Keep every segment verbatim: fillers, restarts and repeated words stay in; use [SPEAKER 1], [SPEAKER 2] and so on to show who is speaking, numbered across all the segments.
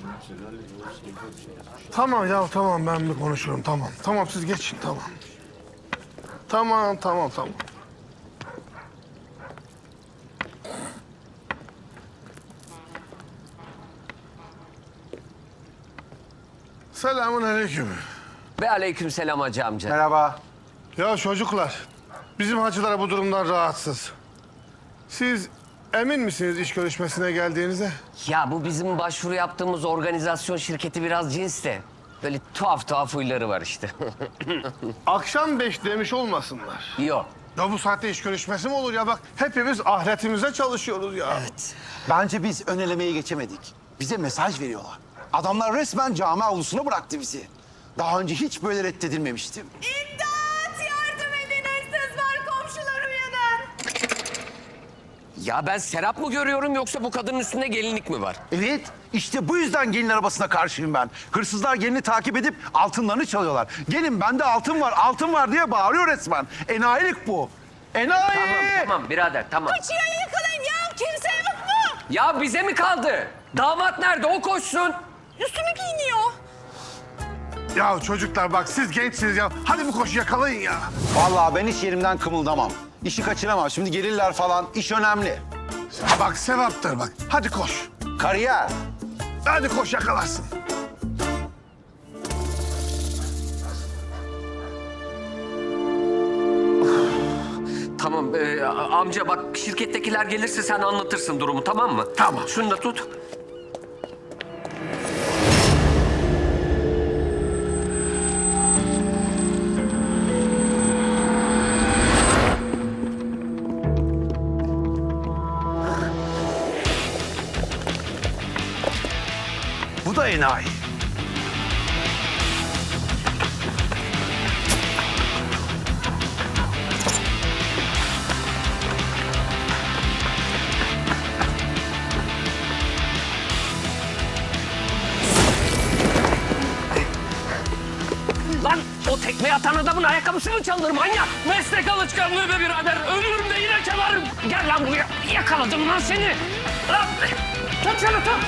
[SPEAKER 1] Tamam ya tamam ben bir konuşurum tamam. Tamam siz geçin tamam. Tamam tamam tamam. Selamun aleyküm.
[SPEAKER 2] Ve aleykümselam hacı amca.
[SPEAKER 3] Merhaba.
[SPEAKER 1] Ya çocuklar, bizim hacılar bu durumdan rahatsız. Siz emin misiniz iş görüşmesine geldiğinize?
[SPEAKER 2] Ya bu bizim başvuru yaptığımız organizasyon şirketi biraz cins de. Böyle tuhaf tuhaf huyları var işte.
[SPEAKER 1] Akşam beş demiş olmasınlar.
[SPEAKER 2] Yok.
[SPEAKER 1] Ya bu saatte iş görüşmesi mi olur ya? Bak hepimiz ahiretimize çalışıyoruz ya.
[SPEAKER 2] Evet.
[SPEAKER 3] Bence biz ön elemeyi geçemedik. Bize mesaj veriyorlar. Adamlar resmen cami avlusuna bıraktı bizi. Daha önce hiç böyle reddedilmemiştim.
[SPEAKER 4] İmdat! Yardım edin! Hırsız var! Komşular uyanın!
[SPEAKER 2] Ya ben Serap mı görüyorum yoksa bu kadının üstünde gelinlik mi var?
[SPEAKER 3] Evet, işte bu yüzden gelin arabasına karşıyım ben. Hırsızlar gelini takip edip altınlarını çalıyorlar. Gelin bende altın var, altın var diye bağırıyor resmen. Enayilik bu. Enayi!
[SPEAKER 2] Tamam tamam birader tamam.
[SPEAKER 4] Kaçıyan yakalayın ya! Kimse yok mu?
[SPEAKER 2] Ya bize mi kaldı? Damat nerede? O koşsun.
[SPEAKER 4] Üstünü giyiniyor.
[SPEAKER 1] Ya çocuklar bak siz gençsiniz ya. Hadi bu koşu yakalayın ya.
[SPEAKER 3] Vallahi ben hiç yerimden kımıldamam. İşi kaçıramam. Şimdi gelirler falan. İş önemli.
[SPEAKER 1] Bak sevaptır bak. Hadi koş.
[SPEAKER 3] Kariyer.
[SPEAKER 1] Hadi koş yakalarsın.
[SPEAKER 2] Tamam e, amca bak şirkettekiler gelirse sen anlatırsın durumu tamam mı?
[SPEAKER 1] Tamam.
[SPEAKER 2] Şunu da tut.
[SPEAKER 3] Bu da enayi.
[SPEAKER 2] Lan o tekme atan adamın ayakkabısını çalınır manyak. Meslek alışkanlığı be birader. Ölürüm de yine çalarım. Gel lan buraya. Yakaladım lan seni. Lan tut şunu tut.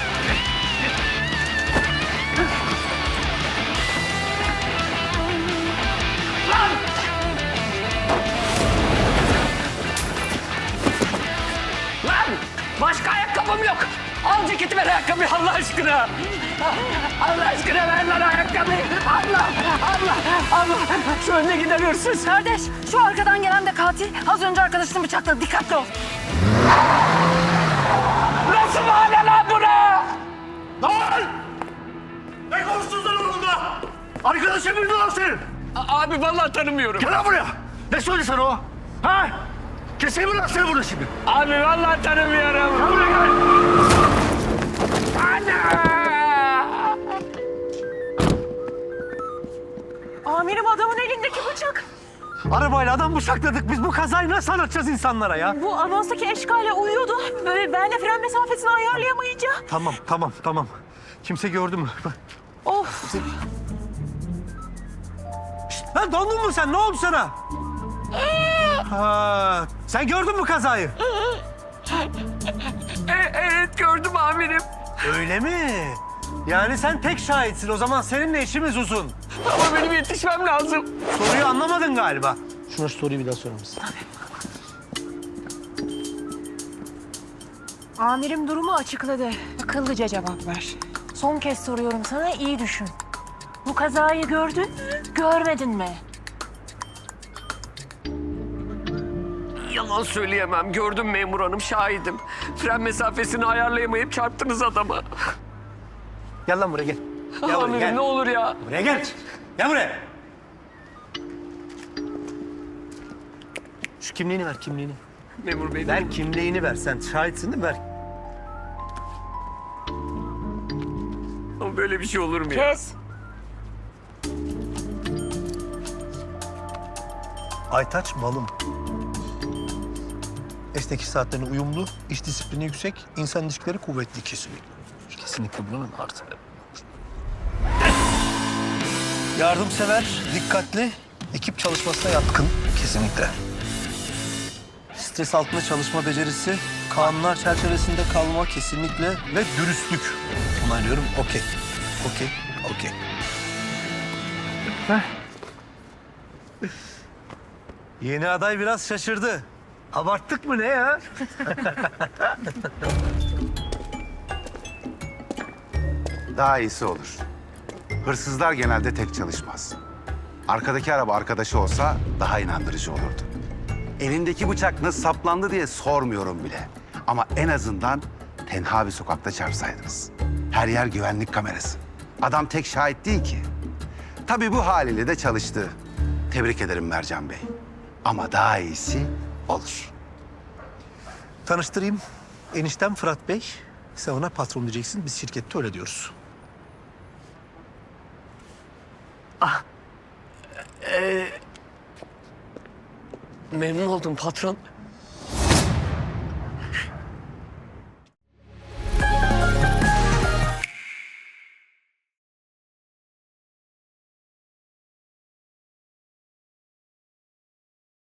[SPEAKER 2] Lan. Lan başka ayakkabım yok. Al ceketi ver ayakkabıyı Allah aşkına. Allah aşkına ver lan ayakkabıyı. Allah, Allah, Allah. Şu önüne giden hırsız.
[SPEAKER 4] Kardeş, şu arkadan gelen de katil. Az önce arkadaşını bıçakladı. Dikkatli ol.
[SPEAKER 2] Nasıl mahalle lan buna?
[SPEAKER 1] Lan! Ne konuştun sen onunla? Arkadaşın mıydı lan senin?
[SPEAKER 2] A- Abi vallahi tanımıyorum.
[SPEAKER 1] Gel lan buraya. Ne söylüyorsun o? Ha? Keseyim mi lan seni burada şimdi?
[SPEAKER 2] Abi vallahi tanımıyorum.
[SPEAKER 1] Gel buraya gel.
[SPEAKER 2] Ana!
[SPEAKER 4] Amirim adamın elindeki bıçak.
[SPEAKER 5] Arabayla adam bıçakladık. Biz bu kazayı nasıl anlatacağız insanlara ya?
[SPEAKER 4] Bu anonstaki eşkale uyuyordu. Böyle ben de fren mesafesini ayarlayamayınca.
[SPEAKER 5] Tamam, tamam, tamam. Kimse gördü mü?
[SPEAKER 4] Of.
[SPEAKER 5] Şişt, lan dondun mu sen? Ne oldu sana? Ha, sen gördün mü kazayı?
[SPEAKER 2] E- evet gördüm amirim.
[SPEAKER 5] Öyle mi? Yani sen tek şahitsin. O zaman seninle işimiz uzun.
[SPEAKER 2] Ama benim yetişmem lazım.
[SPEAKER 5] Soruyu anlamadın galiba. Şuna şu soruyu bir daha sorar mısın?
[SPEAKER 4] Amirim durumu açıkladı. Akıllıca cevap ver. Son kez soruyorum sana, iyi düşün. Bu kazayı gördün mü, görmedin mi?
[SPEAKER 2] Yalan söyleyemem. Gördüm memur hanım, şahidim. Fren mesafesini ayarlayamayıp çarptınız adama.
[SPEAKER 5] Gel lan buraya gel. Gel buraya
[SPEAKER 2] Amirim
[SPEAKER 5] gel.
[SPEAKER 2] ne olur ya.
[SPEAKER 5] Buraya gel. Gel buraya. Şu kimliğini ver, kimliğini.
[SPEAKER 2] Memur bey.
[SPEAKER 5] Ver kimliğini ver. Sen şahitsin değil mi? Ver.
[SPEAKER 2] Ama böyle bir şey olur mu ya?
[SPEAKER 4] Kes.
[SPEAKER 5] Aytaç Balım. Esnek iş saatlerine uyumlu, iş disiplini yüksek, insan ilişkileri kuvvetli kesinlikle. Kesinlikle bunun artı. Yardımsever, dikkatli, ekip çalışmasına yatkın kesinlikle. Stres altında çalışma becerisi, Kanunlar çerçevesinde kalma kesinlikle ve dürüstlük. Onaylıyorum. Okey. Okey. Okey. Yeni aday biraz şaşırdı. Abarttık mı ne ya?
[SPEAKER 3] Daha iyisi olur. Hırsızlar genelde tek çalışmaz. Arkadaki araba arkadaşı olsa daha inandırıcı olurdu. Elindeki bıçak nasıl saplandı diye sormuyorum bile. Ama en azından tenha bir sokakta çarpsaydınız. Her yer güvenlik kamerası. Adam tek şahit değil ki. Tabii bu haliyle de çalıştı. Tebrik ederim Mercan Bey. Ama daha iyisi olur.
[SPEAKER 5] Tanıştırayım. Eniştem Fırat Bey. Sen ona patron diyeceksin. Biz şirkette öyle diyoruz.
[SPEAKER 2] Memnun oldum patron.